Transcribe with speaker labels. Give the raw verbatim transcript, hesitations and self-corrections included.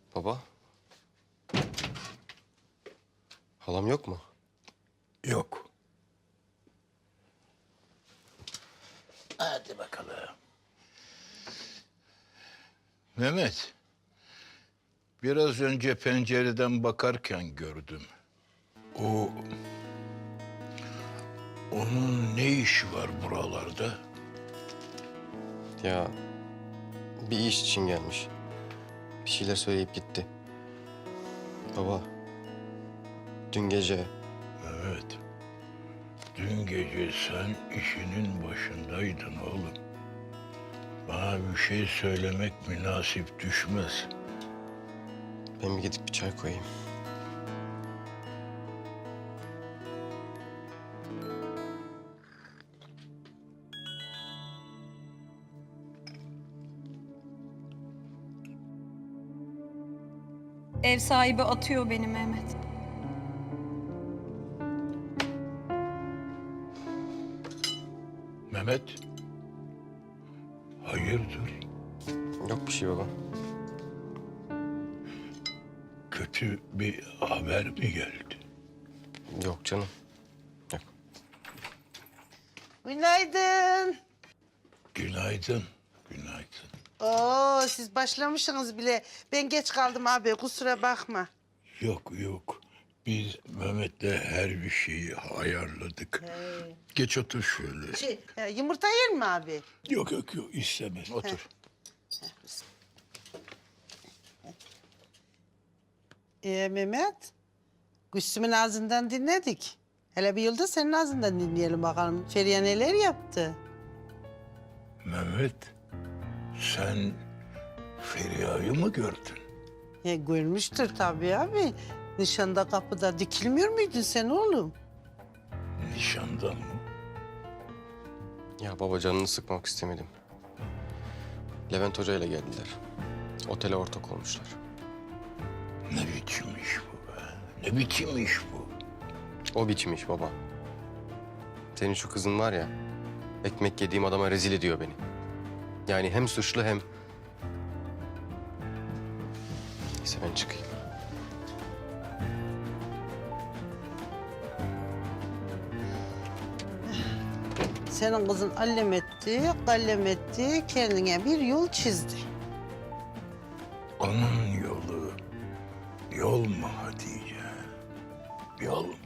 Speaker 1: Baba. Halam yok mu?
Speaker 2: Yok. Hadi bakalım. Mehmet, biraz önce pencereden bakarken gördüm. O... Onun ne işi var buralarda?
Speaker 1: Ya bir iş için gelmiş. Bir şeyler söyleyip gitti. Baba. Dün gece
Speaker 2: Evet. Dün gece sen işinin başındaydın oğlum. Bana bir şey söylemek münasip düşmez.
Speaker 1: ben bir gidip bir çay koyayım.
Speaker 3: Ev sahibi atıyor beni Mehmet.
Speaker 2: Mehmet, hayırdır?
Speaker 1: Yok bir şey baba.
Speaker 2: Kötü bir haber mi geldi?
Speaker 1: Yok canım. Yok.
Speaker 4: Günaydın.
Speaker 2: Günaydın, günaydın.
Speaker 4: Oo, siz başlamışsınız bile. Ben geç kaldım abi, kusura bakma.
Speaker 2: Yok, yok. Biz Mehmet'le her bir şeyi ayarladık.
Speaker 4: He.
Speaker 2: Geç otur şöyle.
Speaker 4: Şey, e, yumurta yer mi abi?
Speaker 2: Yok, yok, yok. istemez. Otur.
Speaker 4: Ee, Mehmet, Gülsüm'ün ağzından dinledik. Hele bir yılda senin ağzından dinleyelim bakalım. Feriha neler yaptı?
Speaker 2: Mehmet, sen Feriha'yı mı gördün?
Speaker 4: Ya, görmüştür tabii abi. Nişanda kapıda dikilmiyor muydun sen oğlum?
Speaker 2: Nişanda mı?
Speaker 1: Ya baba canını sıkmak istemedim. Levent Hoca ile geldiler. Otele ortak olmuşlar.
Speaker 2: Ne biçim iş bu be? Ne biçim iş bu?
Speaker 1: O biçim iş baba. Senin şu kızın var ya, ekmek yediğim adama rezil ediyor beni. Yani hem suçlu hem... Neyse ben çıkayım.
Speaker 4: Senin kızın allem etti, kallem etti, kendine bir yol çizdi.
Speaker 2: Onun yolu yol mu Hatice? Yol mu?